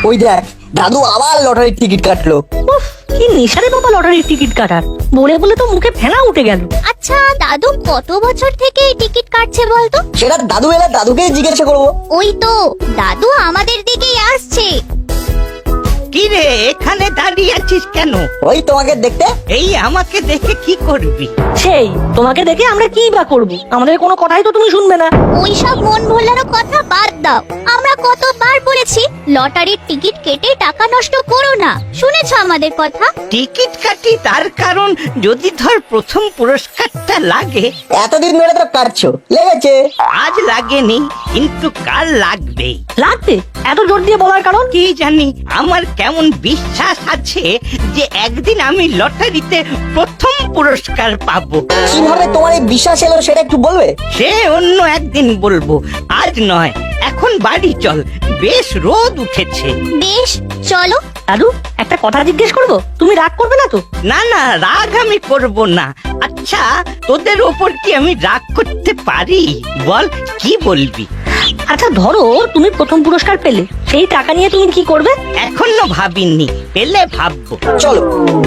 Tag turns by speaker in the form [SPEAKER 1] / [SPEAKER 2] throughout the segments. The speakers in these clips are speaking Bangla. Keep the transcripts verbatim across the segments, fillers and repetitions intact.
[SPEAKER 1] ওই দেখ দাদু আবার লটারির টিকিট কাটলো।
[SPEAKER 2] উফ, কি নেশারে বাবা লটারির টিকিট কাটার, বলে বলে তো মুখে ফেনা উঠে গেল।
[SPEAKER 3] আচ্ছা দাদু কত বছর থেকে এই টিকিট কাটছে বলতো?
[SPEAKER 1] সেটা দাদু এলে দাদুকেই জিজ্ঞাসা করবো।
[SPEAKER 3] ওই তো দাদু আমাদের দিকেই আসছে।
[SPEAKER 4] কি রে এখানে দাঁড়িয়ে আছিস কেন?
[SPEAKER 1] ওই তোমাকে দেখতে।
[SPEAKER 4] এই আমাকে দেখে কি করবি?
[SPEAKER 2] সেই তোমাকে দেখে আমরা কি বা করব, আমাদের কোনো কথাই তো তুমি শুনবে না।
[SPEAKER 3] ওই সব মন ভোলানো কথা বাদ দাও। আমরা কতবার বলেছি লটারির টিকিট কেটে টাকা নষ্ট করো না, শুনেছো আমাদের কথা?
[SPEAKER 4] টিকিট কাটি তার কারণ যদি ধর প্রথম পুরস্কারটা লাগে।
[SPEAKER 1] এতদিন ধরে তো কাটছো, লেগেছে।
[SPEAKER 4] আজ লাগেনি কিন্তু কাল লাগবে।
[SPEAKER 2] লাগবে এত জোর দিয়ে বলার কারণ?
[SPEAKER 4] কি জানি, আমার কেমন বিশ্বাস আছে যে একদিন আমি লটারিতে প্রথম পুরস্কার পাবো।
[SPEAKER 1] কিভাবে তোমার এই বিশ্বাস এলো সেটা একটু বলবে?
[SPEAKER 4] সে অন্য একদিন বলবো, আজ নয়। এখন বাড়ি চল, বেশ রোদ উঠেছে।
[SPEAKER 3] বেশ চলো।
[SPEAKER 2] দাদু একটা কথা জিজ্ঞেস করবো, তুমি রাগ করবে না তো?
[SPEAKER 4] না না, রাগ আমি করব না। আচ্ছা তোদের ওপর কি আমি রাগ করতে পারি? বল কি বলবি?
[SPEAKER 2] আচ্ছা ধরো তুমি প্রথম পুরস্কার পেলে, সেই টাকা নিয়ে তুমি কি করবে?
[SPEAKER 4] এখনো ভাবিনি, পেলে ভাববো।
[SPEAKER 1] চলো।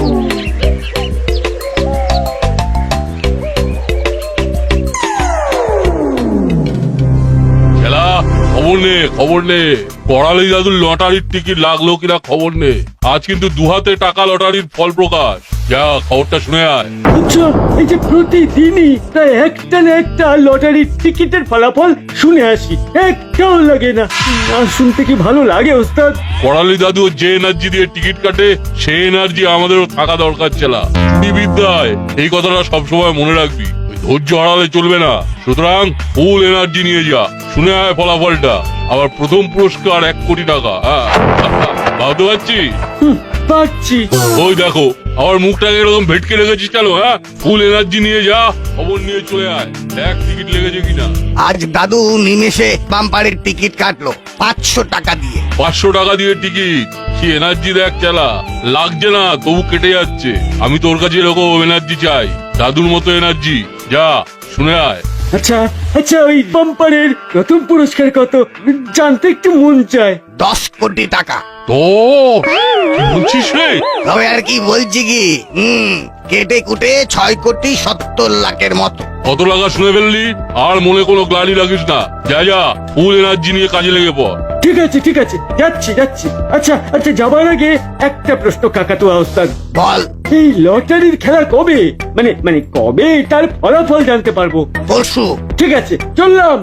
[SPEAKER 5] খেলা খবর নে খবর নে করালি দাদুর লটারির টিকিট লাগলো কিনা খবর নে। আজ কিন্তু দুহাতে টাকা লটারির ফল প্রকাশ। যা খবরটা শুনে আয়।
[SPEAKER 6] আচ্ছা এই যে প্রতিদিনই প্রায় একটা না একটা লটারির টিকিটের ফলাফল শুনে আসি, একটাও লাগে না। না শুনতে কি ভালো লাগে ওস্তাদ?
[SPEAKER 5] করালি দাদু যে এনার্জি দিয়ে টিকিট কাটে সেই এনার্জি আমাদেরও থাকা দরকার ছেলা। এই বিদ্যায় এই কথাটা সবসময় মনে রাখবি। ওই ধৈর্য হারালে চলবে না। সুতরাং ফুল এনার্জি নিয়ে যা। শুনে আয় ফলাফলটা। আবার প্রথম পুরস্কার এক কোটি টাকা। হ্যাঁ ভাবতে পারছি?
[SPEAKER 6] হুম, পাচ্ছি।
[SPEAKER 5] ওই দেখো আমার মুখটাকে এরকম ভেটকে রেখেছিস কেন? হ্যাঁ ফুল এনার্জি নিয়ে যা, খবর নিয়ে চলে আয়। দেখ টিকিট লেগেছে কিনা।
[SPEAKER 7] আজ দাদু নিমেষে বাম্পারের টিকিট কাটলো পাঁচশো টাকা দিয়ে।
[SPEAKER 5] পাঁচশো টাকা দিয়ে টিকিট? কি এনার্জি দেখ চালা, লাগছে না তবু কেটে যাচ্ছে। আমি তোর কাছে এরকম এনার্জি চাই, দাদুর মতো এনার্জি। যা শুনে আয়।
[SPEAKER 6] আচ্ছা আচ্ছা ওই বাম্পারের প্রথম পুরস্কার কত জানতে একটু মন চায়।
[SPEAKER 7] দশ কোটি টাকা।
[SPEAKER 5] তো কি বলছিস রে?
[SPEAKER 7] তবে আর কি বলছি কি, হুম কেটে কুটে ছয় কোটি সত্তর লাখের মতো।
[SPEAKER 5] কত টাকা শুনে ফেললি? আর মনে কোনো গ্লানি রাখিস না। যা যা ফুল এনার্জি নিয়ে কাজে লেগে পড়।
[SPEAKER 6] ঠিক আছে ঠিক আছে যাচ্ছি যাচ্ছি। আচ্ছা আচ্ছা যাবার আগে একটা প্রশ্ন কাকাতুয়া ওস্তাদ।
[SPEAKER 7] বল।
[SPEAKER 6] এই লটারির খেলা কবে, মানে মানে কবে তার ফলাফল জানতে পারবো?
[SPEAKER 7] পরশু।
[SPEAKER 6] ঠিক আছে চললাম।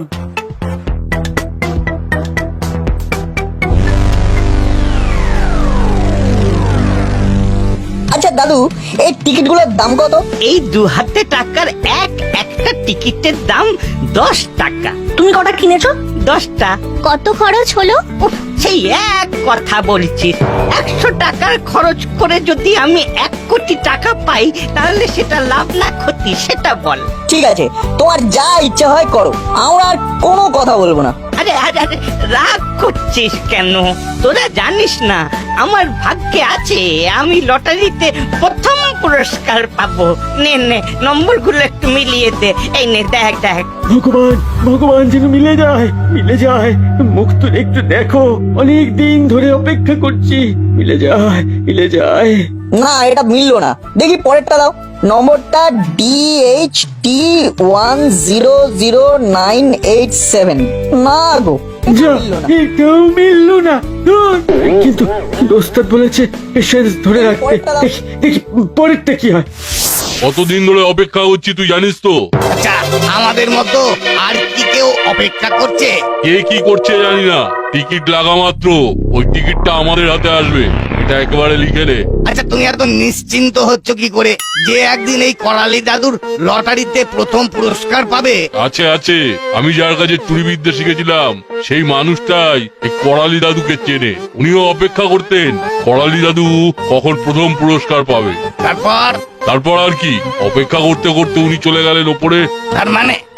[SPEAKER 1] আচ্ছা দাদু এই টিকিট গুলোর দাম কত?
[SPEAKER 4] এই দু হাতে টাকার এক একটা টিকিটের দাম দশ টাকা।
[SPEAKER 2] তুমি কটা কিনেছো?
[SPEAKER 4] দশটা।
[SPEAKER 3] কত খরচ হলো?
[SPEAKER 4] উফ, সেই এক কথা বলছিস। একশো টাকার খরচ করে যদি আমি এক কোটি টাকা পাই তাহলে সেটা লাভ না ক্ষতি সেটা বল।
[SPEAKER 1] ঠিক আছে তোমার যা ইচ্ছা হয় করো, আমরা আর কোনো কথা বলবো না।
[SPEAKER 4] আরে আরে আরে রাগ করছিস কেন? তোরা জানিস না আমার ভাগ্যে আছে আমি লটারিতে প্রথম পুরস্কার পাবো। নে নে নম্বরগুলো একটু মিলিয়ে দে। এই নে দেখ দেখ।
[SPEAKER 6] ভগবান ভগবান যেন মিলে যায় মিলে যায়। মুখ তুলে একটু দেখো, অনেক দিন ধরে অপেক্ষা করছি। মিলে যায় মিলে যায়।
[SPEAKER 1] না এটা মিললো না, দেখি পরেরটা দাও। নম্বরটা D H T one zero zero nine eight seven. না গো
[SPEAKER 6] যা
[SPEAKER 1] মিললো না।
[SPEAKER 6] এটাও মিললো না। ধুর। কিন্তু ওস্তাদ বলেছে পেশেন্স ধরে রাখতে। দেখি দেখি পরেরটা কি হয়।
[SPEAKER 5] কতদিন ধরে অপেক্ষা করছি তুই জানিস তো?
[SPEAKER 7] আচ্ছা আমাদের মতো আর কি কেউ অপেক্ষা করছে?
[SPEAKER 5] কে কি করছে জানি না, টিকিট লাগা মাত্র ওই টিকিটটা আমাদের হাতে আসবে। এটা একেবারে লিখে নে।
[SPEAKER 7] আচ্ছা তুমি এত নিশ্চিন্ত হচ্ছ কি করে যে একদিন এই করালি দাদুর লটারিতে প্রথম পুরস্কার পাবে?
[SPEAKER 5] আছে আছে, আমি যার কাছে চুরি বিদ্যা শিখেছিলাম সেই মানুষটাই এই করালি দাদুকে চেনে। উনিও অপেক্ষা করতেন করালি দাদু কখন প্রথম পুরস্কার পাবে।
[SPEAKER 7] তারপর?
[SPEAKER 5] তারপর আর কি, অপেক্ষা করতে করতে উনি চলে গেলেন ওপরে।
[SPEAKER 7] তার মানে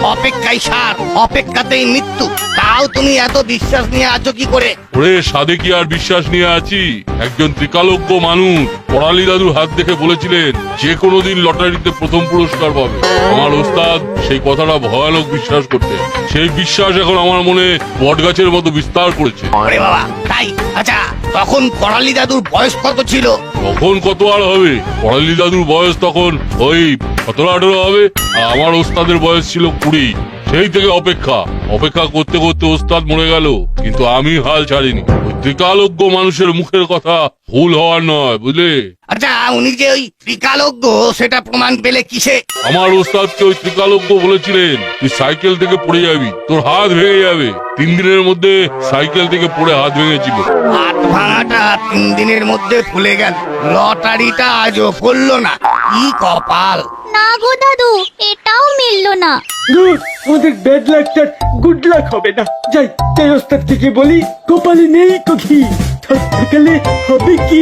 [SPEAKER 7] অপেক্ষাই সার অপেক্ষাতেই মৃত্যু, তাও তুমি এত বিশ্বাস নিয়ে আছো কি করে?
[SPEAKER 5] ওরে সাধে কি আর বিশ্বাস নিয়ে আছি? একজন ত্রিকালজ্ঞ মানুষ পড়ালি দাদুর হাত দেখে বলেছিলেন যে কোনো দিন লটারিতে প্রথম পুরস্কার পাবে। আমার ওস্তাদ সেই কথাটা ভয়ানক বিশ্বাস করতেন। সেই বিশ্বাস এখন আমার মনে বটগাছের মতো বিস্তার করেছে।
[SPEAKER 7] আরে বাবা, তাই? আচ্ছা, তখন করালি দাদুর বয়স কত ছিল?
[SPEAKER 5] তখন কত আর হবে? পড়ালি দাদুর বয়স তখন ওই সতেরো আঠেরো হবে, আর আমার ওস্তাদের বয়স ছিল কুড়ি। সেই থেকে অপেক্ষা অপেক্ষা করতে করতে ওস্তাদ মরে গেল, কিন্তু আমি হাল ছাড়িনি। ওই ত্রিকালজ্ঞ মানুষের মুখের কথা ভুল হওয়ার নয়, বুঝলে?
[SPEAKER 7] আচ্ছা, উনি যে ওই ত্রিকালজ্ঞ সেটা প্রমাণ পেলে কিসে?
[SPEAKER 5] আমার ওস্তাদকে ওই ত্রিকালজ্ঞ বলেছিলেন তুই সাইকেল থেকে পড়ে যাবি, তোর হাত ভেঙে যাবে। তিন দিনের মধ্যে সাইকেল থেকে পড়ে হাত ভেঙেছিল।
[SPEAKER 7] হাত ভাঙাটা তিন দিনের মধ্যে ফুলে গেল, লটারিটা আজও পড়লো না। কি কপাল!
[SPEAKER 3] না গো দাদু, এটাও মিললো না।
[SPEAKER 6] দূর, আমাদের ব্যাড লাকটা গুড লাক হবে না। যাই যাই ওস্তাদ থেকে বলি, কপালে নেই তো ঘি, থাকলে হবে কি?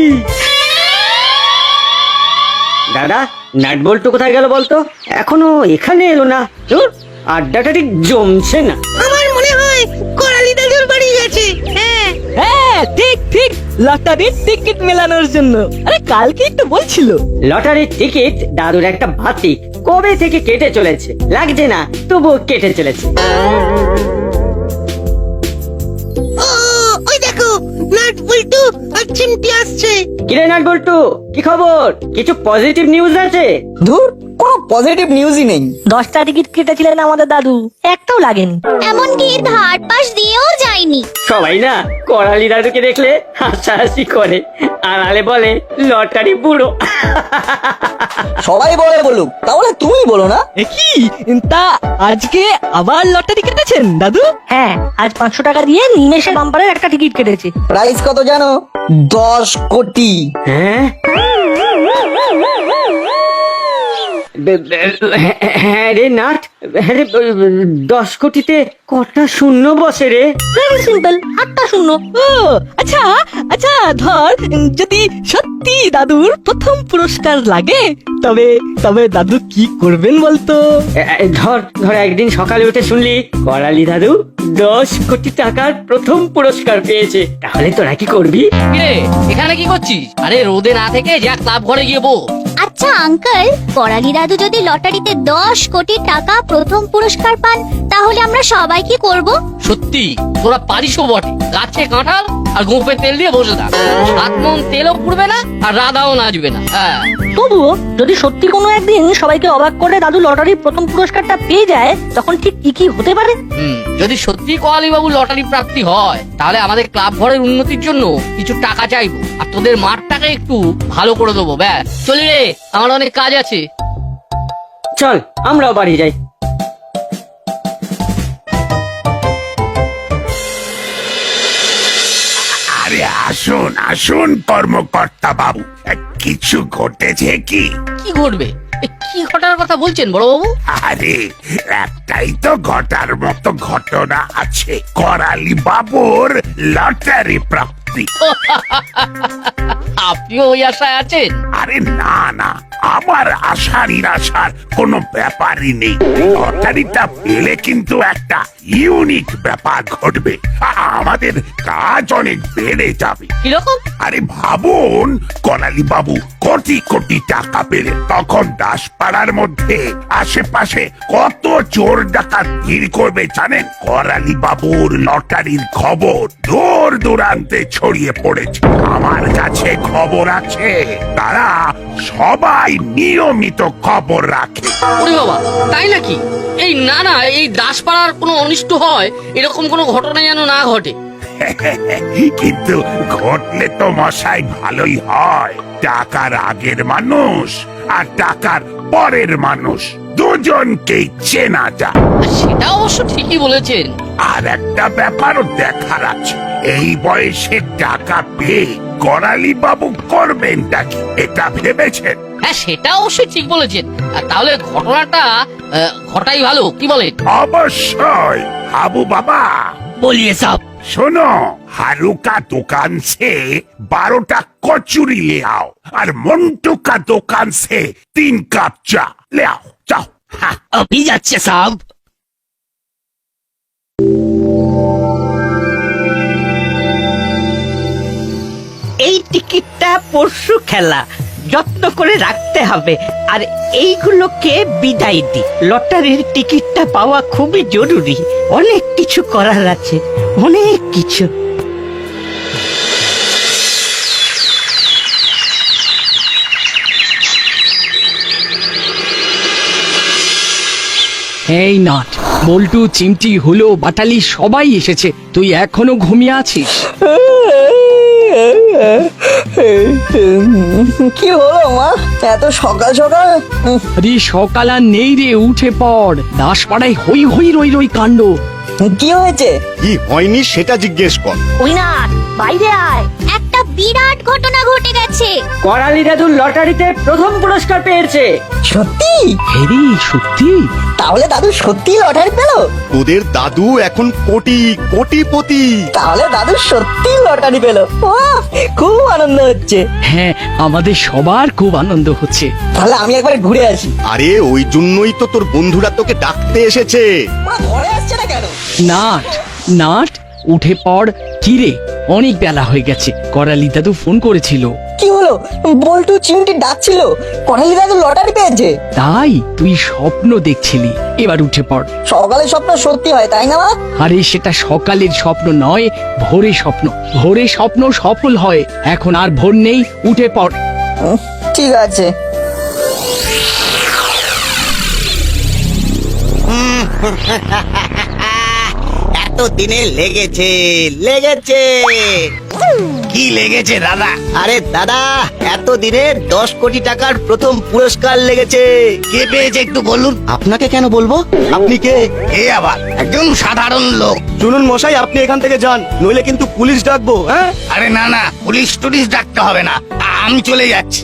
[SPEAKER 8] দাদা, নাট বল্টু কোথায় গেল বলতো? এখনো এখানে এলো না। ধুর, আড্ডাটা ঠিক জমছে না।
[SPEAKER 2] আমার মনে হয় করালি দাদুর বাড়ি গেছে। হ্যাঁ হ্যাঁ, ঠিক ঠিক, লটারির টিকিট মেলানোর জন্য। আরে কালকে একটু বলছিল।
[SPEAKER 8] লটারির টিকিট দাদুর একটা ভাতি কবে থেকে কেটে চলেছে, লাগছে না তবুও কেটে চলেছে।
[SPEAKER 2] ওই দেখো, নাট বল্টু আর চিমটি আসছে।
[SPEAKER 8] কিরে নাট বল্টু, কি খবর? কিছু পজিটিভ নিউজ আছে?
[SPEAKER 1] ধুর, কোনো পজিটিভ নিউজই নেই।
[SPEAKER 2] দশটা টিকিট কেটেছিলেন আমাদের দাদু, একটাও লাগেনি।
[SPEAKER 3] এমনকি ধার পাশ দিয়েও যায়নি।
[SPEAKER 8] সবাই না করালি দাদুকে দেখলে হাসাহাসি করে, আড়ালে বলে লটারি বুড়ো।
[SPEAKER 1] সবাই বলে বলুক, তাহলে তুমি বলো না?
[SPEAKER 9] কি তা আজকে আবার লটারি কেটেছেন দাদু?
[SPEAKER 2] হ্যাঁ, আজ পাঁচশো টাকা দিয়ে নিমেষে বাম্পারের একটা টিকিট কেটেছে।
[SPEAKER 1] প্রাইস কত জানো? দশ কোটি।
[SPEAKER 8] হ্যাঁ বে- বে- হ্যাঁ রে নাট, হ্যাঁ রে, দশ কোটিতে কটা শূন্য বসে রে?
[SPEAKER 2] ভেরি সিম্পল, আটটা শূন্য।
[SPEAKER 9] ও আচ্ছা আচ্ছা, ধর যদি সত্যি দাদুর প্রথম পুরস্কার লাগে, তবে তবে দাদু কি করবেন বলতো?
[SPEAKER 8] এ- এ, ধর ধর একদিন সকালে উঠে শুনলি করালি দাদু দশ কোটি টাকার প্রথম পুরস্কার পেয়েছে, তাহলে তোরা কি করবি?
[SPEAKER 10] কিরে এখানে কি করছিস? আরে রোদে না থেকে যা ক্লাব ঘরে গিয়ে বো।
[SPEAKER 3] আচ্ছা আঙ্কেল, করালি দাদু যদি লটারিতে দশ কোটি টাকা প্রথম পুরস্কার পান, তাহলে আমরা সবাই কি করব?
[SPEAKER 10] সত্যি তোরা পারিসও বটে। গাছে কাঁঠাল আর গোপে তেল দিয়ে বসে থাক, সাত মন তেলও পুড়বে না আর রাধাও নাচবে না। হ্যাঁ,
[SPEAKER 2] তবুও যদি সত্যি কোনো একদিন সবাইকে অবাক করে দাদু লটারির প্রথম পুরস্কারটা পেয়ে যায়, তখন ঠিক কি কি হতে পারে?
[SPEAKER 10] হুম, যদি সত্যি কোয়ালি বাবু লটারি প্রাপ্তি হয়, তাহলে আমাদের ক্লাব ঘরের উন্নতির জন্য কিছু টাকা চাইবো, আর তোদের মাঠটাকে একটু ভালো করে দেবো। ব্যাস, চলি রে, আমার অনেক কাজ আছে।
[SPEAKER 8] চল আমরাও বাড়ি যাই।
[SPEAKER 11] আরে আসুন আসুন কর্মকর্তা বাবু, কিছু ঘটেছে কি?
[SPEAKER 10] কি ঘটবে? এ, কি ঘটার কথা বলছেন বড় বাবু?
[SPEAKER 11] আরে একটাই তো ঘটার মতো ঘটনা আছে, করালি বাবুর লটারি প্রাপ্তি।
[SPEAKER 10] আপনিও ওই আশায় আছেন?
[SPEAKER 11] আরে না না, আমার আশা নিরাশার কোনো ব্যাপারই নেই। লটারিটা পেলে কিন্তু একটা ইউনিক ব্যাপার ঘটবে, আ- আমাদের কাজ অনেক বেড়ে যাবে।
[SPEAKER 10] কিরকম?
[SPEAKER 11] আরে ভাবুন, করালি বাবু কোটি কোটি টাকা পেলে তখন দাসপাড়ার মধ্যে আশেপাশে কত চোর ডাকাত ভিড় করবে জানেন? করালি বাবুর লটারির খবর দূর দূরান্তে ছড়িয়ে পড়েছে, আমার কাছে খবর আছে, তারা সবাই নিয়মিত খবর রাখে।
[SPEAKER 10] ওরে বাবা, তাই নাকি? এই না না, এই দাসপাড়ার কোনো অনিষ্ট হয় এরকম কোনো ঘটনা যেন না ঘটে।
[SPEAKER 11] কিন্তু ঘটলে তো মশাই ভালোই হয়, টাকার আগের মানুষ আর টাকার পরের মানুষ দুজনকেই চেনা যায়।
[SPEAKER 10] সেটা অবশ্য ঠিকই বলেছেন।
[SPEAKER 11] আর একটা ব্যাপারও দেখার আছে, এই বয়সে টাকা পেয়ে করালি বাবু করবেনটা কি, এটা ভেবেছেন?
[SPEAKER 10] হ্যাঁ, সেটা অবশ্যই ঠিক বলেছেন। আর তাহলে ঘটনাটা আহ, ঘটাই ভালো, কি বলেন?
[SPEAKER 11] অবশ্যই। হাবু বাবা
[SPEAKER 10] বলিয়ে সব।
[SPEAKER 11] सुनो, हारू का दुकान से बारोटा कचूरी ले आओ और मंटू का दुकान से तीन कप चा ले आओ, जाओ। हाँ।
[SPEAKER 10] अभी যাচ্ছে সাহেব।
[SPEAKER 4] এই টিকিটটা পরশু খেলা, যত্ন করে রাখতে হবে। আর এইগুলোকে বিদায় দি। লটারির টিকিটটা পাওয়া খুবই জরুরি। অনেক কিছু করার আছে, অনেক কিছু।
[SPEAKER 9] এই নাট, বল্টু, চিমটি, হুলো, বাটালি সবাই এসেছে, তুই এখনো ঘুমিয়ে আছিস?
[SPEAKER 1] কি হলো মা, এত সকাল সকাল? উম,
[SPEAKER 9] আরে সকাল আর নেই রে, উঠে পড়। দাসপাড়ায় হই হই রই রই কাণ্ড।
[SPEAKER 1] কি হয়েছে?
[SPEAKER 12] কি হয়নি সেটা জিজ্ঞেস কর।
[SPEAKER 3] ওই না, বাইরে আয়। একটা বিরাট ঘটনা ঘটে গেছে।
[SPEAKER 8] করালি দাদু লটারিতে প্রথম পুরস্কার পেয়েছে।
[SPEAKER 1] সত্যি?
[SPEAKER 9] হেরি, সত্যি?
[SPEAKER 1] তাহলে দাদু সত্যি লটারি পেলো?
[SPEAKER 12] তোদের দাদু এখন কোটি কোটিপতি।
[SPEAKER 1] তাহলে দাদু সত্যি লটারি পেলো। বাহ, খুব আনন্দ হচ্ছে।
[SPEAKER 9] হ্যাঁ, আমাদের সবার খুব আনন্দ হচ্ছে।
[SPEAKER 1] তাহলে আমি একবার ঘুরে আসি।
[SPEAKER 12] আরে ওই জন্যই তো তোর বন্ধুরা তোকে ডাকতে এসেছে।
[SPEAKER 1] ওরা ঘরে আসছে না কেন?
[SPEAKER 9] নাট, নাট, উঠে পড়। কি রে, অনেক বেলা হয়ে গেছে। করালি দাদু ফোন করেছিল।
[SPEAKER 1] কি হলো? বল্টু চিমটি ডাকছিল, করালি দাদু লটারি পেয়েছে।
[SPEAKER 9] তাই তুই স্বপ্ন দেখছিলি। এবার উঠে পড়।
[SPEAKER 1] সকালে স্বপ্ন সত্যি হয়, তাই না মা?
[SPEAKER 9] আরে সেটা সকালের স্বপ্ন নয়, ভোরে স্বপ্ন। ভোরে স্বপ্ন সফল হয়। এখন আর ভোর নেই, উঠে পড়।
[SPEAKER 1] উম, ঠিক আছে।
[SPEAKER 7] এত দিনে লেগেছে লেগেছে
[SPEAKER 4] কি লেগেছে দাদা?
[SPEAKER 7] আরে দাদা, এত দিনে দশ কোটি টাকার প্রথম পুরস্কার লেগেছে।
[SPEAKER 4] কে পেয়েছে একটু বলুন।
[SPEAKER 12] আপনাকে কেন বলবো? আপনি কে?
[SPEAKER 7] এ আবার একজন সাধারণ লোক।
[SPEAKER 12] শুনুন মশাই, আপনি এখান থেকে যান, নইলে কিন্তু পুলিশ ডাকবো। হ্যাঁ,
[SPEAKER 7] আরে না না, পুলিশ টুলিশ ডাকতে হবে না, আমি চলে যাচ্ছি।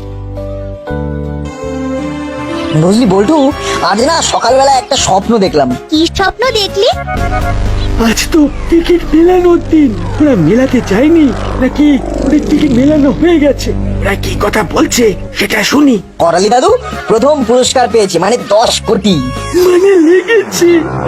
[SPEAKER 1] বুঝলি বল্টু, আজ না সকালবেলা একটা স্বপ্ন দেখলাম।
[SPEAKER 3] কি স্বপ্ন দেখলি?
[SPEAKER 6] আজ তো টিকিট মেলানোর দিন। ওরা মেলাতে যায়নি নাকি ওদের টিকিট মেলানো হয়ে গেছে? ওরা কি কথা বলছে সেটা শুনি।
[SPEAKER 1] করালি দাদু প্রথম পুরস্কার পেয়েছে, মানে দশ কোটি।
[SPEAKER 6] মানে লেগেছে।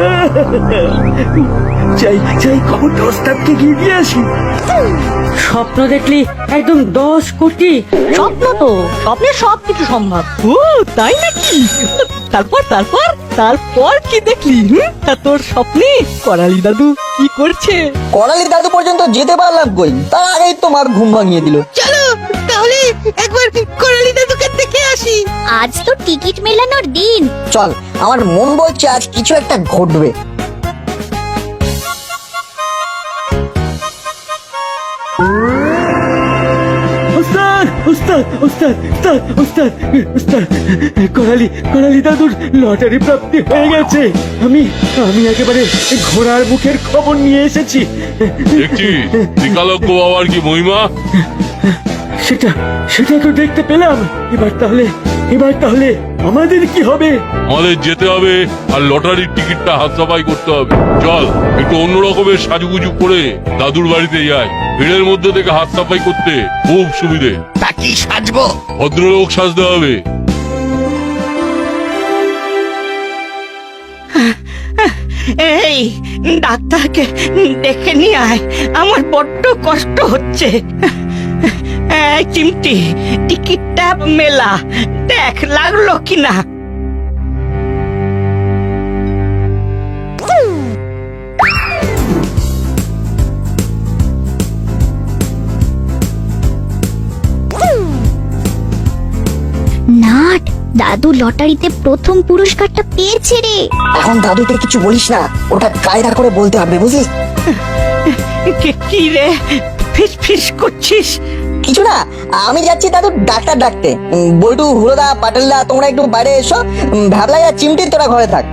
[SPEAKER 6] যাই যাই, খবরটা ওস্তাদকে গিয়ে দিয়ে আসি।
[SPEAKER 8] স্বপ্ন দেখলি একদম দশ কোটি?
[SPEAKER 2] স্বপ্ন তো, স্বপ্নে সব কিছু সম্ভব। ও তাই নাকি? তারপর তারপর তারপর কি দেখলি? হুম? তা তোর স্বপ্নে করালি দাদু কি করছে?
[SPEAKER 1] করালি দাদু পর্যন্ত যেতে পারলাম কই, তার আগেই তোমার ঘুম ভাঙিয়ে দিল।
[SPEAKER 2] চলো তাহলে একবার করালি দাদুকে দেখে আসি।
[SPEAKER 3] আজ তো টিকিট মেলানোর দিন।
[SPEAKER 1] চল, আমার মন বলছে আজ কিছু একটা ঘটবে।
[SPEAKER 6] ওস্তাদ ওস্তাদ ওস্তাদ ওস্তাদ ওস্তাদ ওস্তাদ, করালি করালি দাদুর লটারি প্রাপ্তি হয়ে গেছে। আমি আমি একেবারে ঘোড়ার মুখের খবর নিয়ে এসেছি।
[SPEAKER 5] দেখছি ত্রিকালজ্ঞ বাবার কি মহিমা।
[SPEAKER 6] সেটা সেটা তো দেখতে পেলাম। এবার তাহলে এবার তাহলে আমাদের কি হবে?
[SPEAKER 5] আমাদের যেতে হবে আর লটারির টিকিটটা হাত সাফাই করতে হবে। চল একটু অন্য রকমের সাজুগুজু করে দাদুর বাড়িতে যাই। ভিড়ের মধ্যে থেকে হাত সাফাই করতে খুব সুবিধে।
[SPEAKER 7] তা কি সাজবো?
[SPEAKER 5] ভদ্রলোক সাজতে হবে।
[SPEAKER 4] এই ডাক্তারকে ডেকে নিয়ে আয়, আমার বড্ড কষ্ট হচ্ছে। এই চিমটি, টিকিটটা মেলা, দেখ লাগলো কিনা।
[SPEAKER 3] নাট, দাদু লটারিতে প্রথম পুরস্কারটা পেয়েছে রে।
[SPEAKER 1] এখন দাদুকে কিছু বলিস না, ওটা কায়দা করে বলতে হবে, বুঝলি?
[SPEAKER 4] কে- কি রে, ফিস ফিস করছিস?
[SPEAKER 1] কিছু না, আমি যাচ্ছি দাদু ডাক্তার ডাকতে। উম, বল্টু, হুলোদা, পাটালদা, তোমরা একটু বাইরে এসো। উম, ভ্যাবলাই আর চিমটি তোরা ঘরে থাক।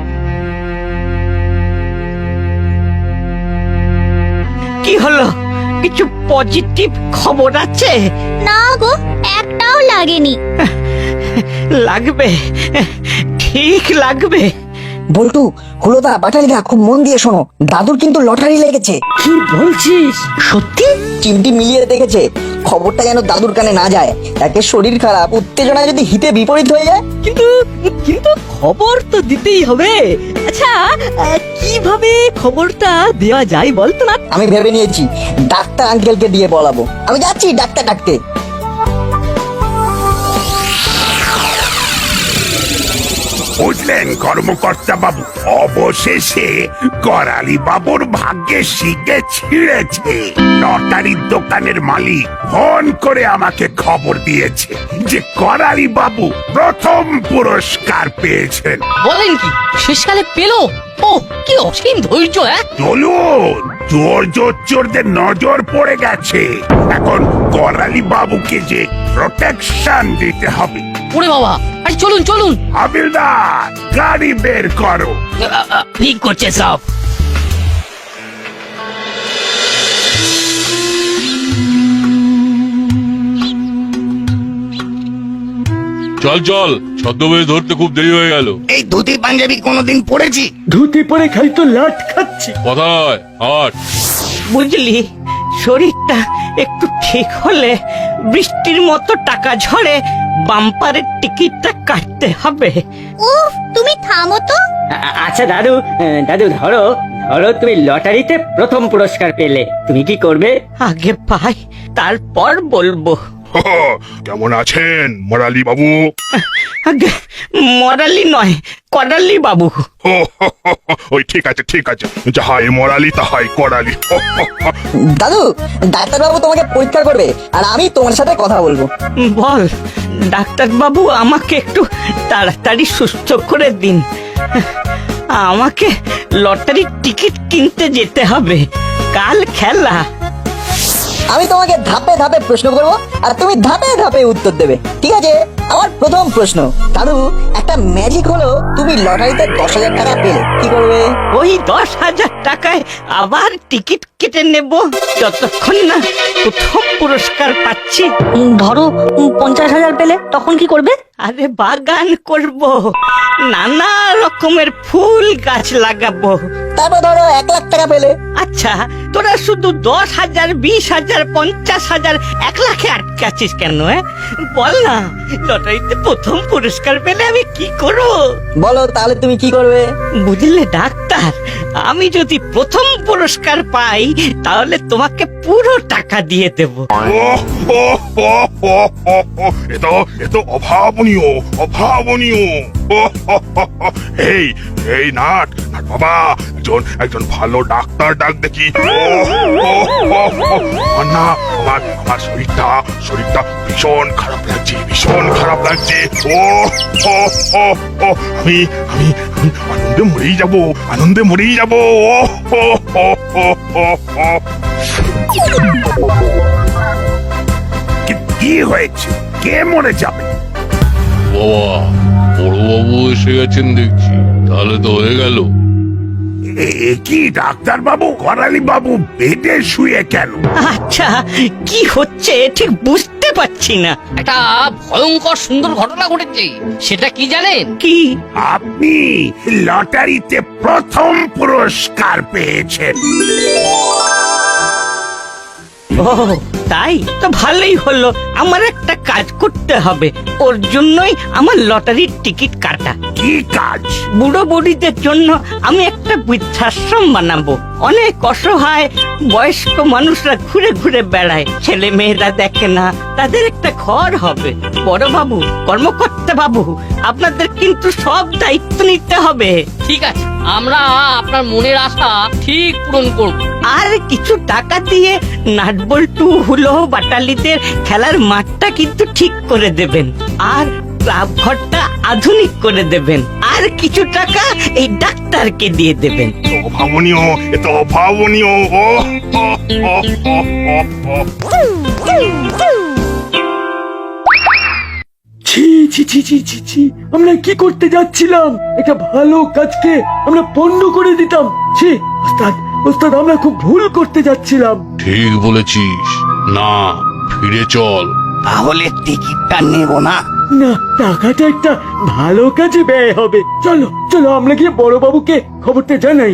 [SPEAKER 4] কি হলো, কিছু পজিটিভ খবর আছে?
[SPEAKER 3] না গো, একটাও লাগেনি।
[SPEAKER 4] লাগবে, ঠিক লাগবে।
[SPEAKER 1] বল্টু, হুলোদা, পাটালিদা, খুব মন দিয়ে শোনো, দাদুর কিন্তু লটারি লেগেছে।
[SPEAKER 8] কি বলছিস?
[SPEAKER 1] সত্যি? চিমটি মিলিয়ে দেখেছে, খবরটা যেন দাদুর কানে না যায়। একে শরীর খারাপ, উত্তেজনায় যদি হিতে বিপরীত হয়ে যায়।
[SPEAKER 2] কিন্তু
[SPEAKER 9] কিন্তু খবর তো দিতেই হবে। আচ্ছা আহ, কিভাবে খবরটা দেওয়া যায় বলতো না?
[SPEAKER 1] আমি ভেবে নিয়েছি, ডাক্তার আঙ্কেলকে দিয়ে বলাবো। আমি যাচ্ছি ডাক্তার ডাকতে।
[SPEAKER 11] বুঝলেন কর্মকর্তা বাবু, অবশেষে করালি বাবুর ভাগ্যে শিগে ছিঁড়েছে। লটারির দোকানের মালিক ফোন করে আমাকে খবর দিয়েছে যে করালি বাবু প্রথম পুরস্কার পেয়েছেন।
[SPEAKER 10] বলেন কি শেষকালে পেলো? ও কি অসীম ধৈর্য! হ্যাঁ
[SPEAKER 11] চলুন, চোর জোর চোরদের নজর পড়ে গেছে। এখন করালি বাবুকে যে প্রোটেকশন দিতে হবে।
[SPEAKER 10] ওরে বাবা, আরে চলুন চলুন।
[SPEAKER 11] হাবিলদার, গাড়ি বের করো।
[SPEAKER 4] ঠিক করছে সব।
[SPEAKER 5] চল চল, ছদ্মবেশ ধরতে খুব দেরি হয়ে গেল।
[SPEAKER 7] এই ধুতি পাঞ্জাবি কোনোদিন পরেছি?
[SPEAKER 6] ধুতি পরে খালি তো লাট খাচ্ছি।
[SPEAKER 5] কোথায় হাট?
[SPEAKER 4] বুঝলি, শরীরটা একটু ঠিক হলে বৃষ্টির মতো টাকা ঝরে বাম্পারের টিকিটটা কাটতে হবে।
[SPEAKER 3] উফ, তুমি থামো তো।
[SPEAKER 8] আ- আচ্ছা দাদু, আহ, দাদু ধরো ধরো তুমি লটারিতে প্রথম পুরস্কার পেলে, তুমি কি করবে?
[SPEAKER 4] আগে পাই তারপর বলবো।
[SPEAKER 11] কেমন আছেন মরালি বাবু?
[SPEAKER 4] আগে মরালি নয়, করালি বাবু।
[SPEAKER 11] ওই ঠিক আছে ঠিক আছে, যাহাই মরালি তাহাই করালি।
[SPEAKER 1] দাদু, ডাক্তারবাবু তোমাকে পরীক্ষা করবে আর আমি তোমার সাথে কথা বলবো।
[SPEAKER 4] বল ডাক্তার বাবু, আমাকে একটু তাড়াতাড়ি সুস্থ করে দিন। আমাকে লটারির টিকিট কিনতে যেতে হবে, কাল খেলা।
[SPEAKER 1] আমি তোমাকে ধাপে ধাপে প্রশ্ন করবো আর তুমি ধাপে ধাপে উত্তর দেবে, ঠিক আছে? আমার প্রথম প্রশ্ন, দাদু একটা ম্যাজিক হলো তুমি লটারিতে দশ হাজার টাকা পেলে, কি করবে?
[SPEAKER 4] ওই দশ হাজার টাকায় আবার টিকিট কেটে নেব যতক্ষণ না প্রথম পুরস্কার পাচ্ছি।
[SPEAKER 2] ধরো পঞ্চাশ হাজার পেলে তখন কি করবে?
[SPEAKER 4] আরে বাগান করব, নানা রকমের ফুল গাছ লাগাবো।
[SPEAKER 1] তারপর ধরো এক লাখ টাকা পেলে।
[SPEAKER 4] আচ্ছা, তোরা শুধু দশ হাজার বিশ হাজার পঞ্চাশ হাজার এক লাখে আটকে আছিস কেন? হ্যাঁ বল না, লটারিতে প্রথম পুরস্কার পেলে আমি কি করব?
[SPEAKER 1] বলো তাহলে তুমি কি করবে?
[SPEAKER 4] বুঝলে ডাক্তার, আমি যদি প্রথম পুরস্কার পাই তাহলে তোমাকে পুরো টাকা দিয়ে দেব।
[SPEAKER 11] এত এত অভাবনীয় অভাবনীয়। এই এই নাট নাট বাবা, একজন একজন ভালো ডাক্তার ডাক দেখি। আমার না আমার আমার শরীরটা শরীরটা ভীষণ খারাপ লাগছে, ভীষণ খারাপ লাগছে। ও ও ও ও আমি আমি আমি আনন্দে মরেই যাব, আনন্দে মরেই যাব। ও ও ও ও ও ও কি- কি হয়েছে? কে মরে যাবে?
[SPEAKER 5] বাবা, বড়বাবু এসে গেছেন দেখছি, তাহলে তো হয়ে গেল।
[SPEAKER 11] এ- এ কি ডাক্তার বাবু, করালি বাবু বেডে শুয়ে কেন?
[SPEAKER 4] আচ্ছা, কি হচ্ছে ঠিক বুঝতে পারছি না।
[SPEAKER 10] একটা ভয়ঙ্কর সুন্দর ঘটনা ঘটেছে, সেটা কি জানেন?
[SPEAKER 4] কি?
[SPEAKER 11] আপনি লটারিতে প্রথম পুরস্কার পেয়েছেন।
[SPEAKER 4] ও তাই তো ভালোই হলো। আমার একটা কাজ করতে হবে, ওর জন্যই আমার লটারির টিকিট কাটা।
[SPEAKER 11] কি কাজ?
[SPEAKER 4] বুড়ো বুড়িদের জন্য আমি একটা বৃদ্ধাশ্রম বানাবো। অনেক অসহায় বয়স্ক মানুষরা ঘুরে ঘুরে বেড়ায়, ছেলে মেয়েরা দেখে না, তাদের একটা ঘর হবে। বড় বাবু, কর্মকর্তা বাবু, আপনাদের কিন্তু সব দায়িত্ব নিতে হবে।
[SPEAKER 10] ঠিক আছে, আমরা আপনার মনের আশা ঠিক পূরণ করব।
[SPEAKER 4] আর কিছু টাকা দিয়ে নাটবল্টু হুলো বাটালিদের খেলার মাঠটা কিন্তু ঠিক করে দেবেন, আর ক্লাব ঘরটা আধুনিক করে দেবেন, আর কিছু টাকা এই ডাক্তারকে দিয়ে দেবেন।
[SPEAKER 11] অভাবনীয়, এত অভাবনীয়। ও ও, ও, ও, ও, ও।
[SPEAKER 6] ছি ছি ছি ছি ছি ছি, আমরা কি করতে যাচ্ছিলাম? একটা ভালো কাজকে আমরা পণ্ড করে দিতাম। ছি ওস্তাদ, ওস্তাদ আমরা খুব ভুল করতে যাচ্ছিলাম।
[SPEAKER 5] ঠিক বলেছিস, না ফিরে চল।
[SPEAKER 7] তাহলে টিকিটটা নেব না।
[SPEAKER 6] না, টাকাটা একটা ভালো কাজে ব্যয় হবে। চলো চলো আমরা গিয়ে বড়বাবুকে খবরটা জানাই।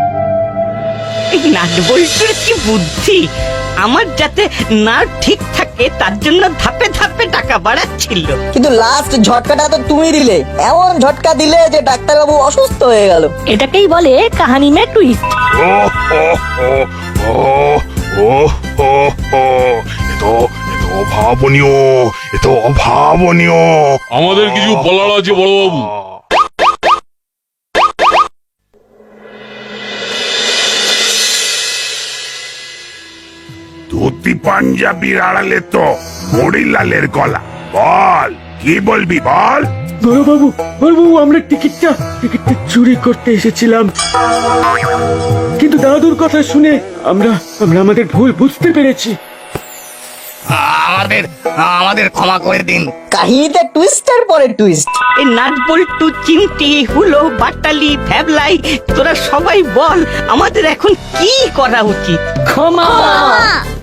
[SPEAKER 4] এই নাটবল্টুর কি বুদ্ধি! আমার যাতে নার্ভ ঠিক থাকে এ তার জন্য ধাপে ধাপে টাকা বাড়াচ্ছিল।
[SPEAKER 1] কিন্তু লাস্ট ঝটকাটা তো তুমি দিলে, এমন ঝটকা দিলে যে ডাক্তারবাবু অসুস্থ হয়ে গেল।
[SPEAKER 9] এটাকেই বলে কাহানি মে টুইস্ট।
[SPEAKER 11] ও হো হো ও ও হো হো এ তো এ তো অভাবনীয়, এ তো অভাবনীয়।
[SPEAKER 5] আমাদের কিছু বলার আছে বড়বাবু।
[SPEAKER 11] ধুতি পাঞ্জাবির আড়ালে তো মরিলালের গলা। বল, কি বলবি বল?
[SPEAKER 6] বড়বাবু বড়বাবু আমরা টিকিটটা টিকিটটা চুরি করতে এসেছিলাম, কিন্তু দাদুর কথা শুনে আমরা আমরা আমাদের ভুল বুঝতে পেরেছি।
[SPEAKER 7] আমাদের আমাদের ক্ষমা করে দিন।
[SPEAKER 1] কাহিনীতে টুইস্টার পরে টুইস্ট।
[SPEAKER 4] এই নাট বল্টু, চিমটি, হুলো, বাটালি, ভ্যাবলাই, তোরা সবাই বল আমাদের এখন কি করা উচিত?
[SPEAKER 8] ক্ষমা
[SPEAKER 3] মা